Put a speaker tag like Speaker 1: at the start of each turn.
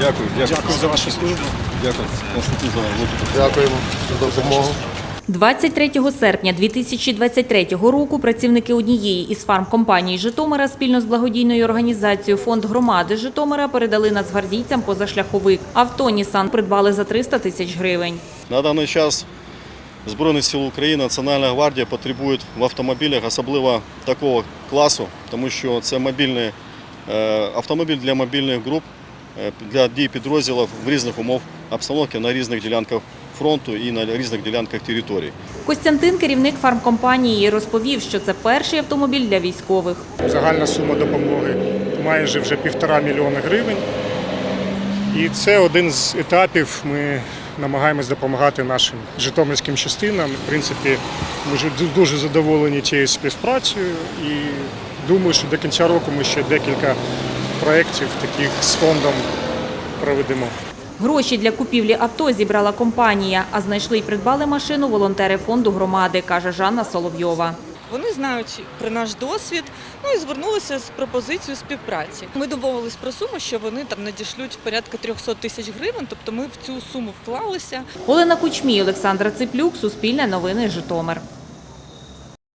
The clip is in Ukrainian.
Speaker 1: Дякую.
Speaker 2: Дякую за вашу службу.
Speaker 1: Дякую.
Speaker 3: Дякуємо за допомогу.
Speaker 4: 23 серпня 2023 року працівники однієї із фармкомпаній Житомира спільно з благодійною організацією «Фонд громади Житомира» передали нацгвардійцям позашляховик. Авто «Нісан» придбали за 300 тисяч гривень.
Speaker 5: На даний час Збройних сил України, Національна гвардія потребують в автомобілях, особливо такого класу, тому що це автомобіль для мобільних груп, для дій підрозділів в різних умовах обстановки на різних ділянках фронту і на різних ділянках території.
Speaker 4: Костянтин, керівник фармкомпанії, розповів, що це перший автомобіль для військових.
Speaker 2: Загальна сума допомоги майже вже 1,5 мільйона гривень. І це один з етапів. Ми намагаємось допомагати нашим житомирським частинам. В принципі, ми дуже задоволені цією співпрацею і думаю, що до кінця року ми ще декілька проєктів таких з фондом проведемо.
Speaker 4: Гроші для купівлі авто зібрала компанія, а знайшли й придбали машину волонтери фонду громади, каже Жанна Соловйова.
Speaker 6: Вони знають про наш досвід, і звернулися з пропозицією співпраці. Ми домовились про суму, що вони там надішлють порядка 300 тисяч гривень, тобто ми в цю суму вклалися.
Speaker 4: Олена Кучмій, Олександра Циплюк, Суспільне новини, Житомир.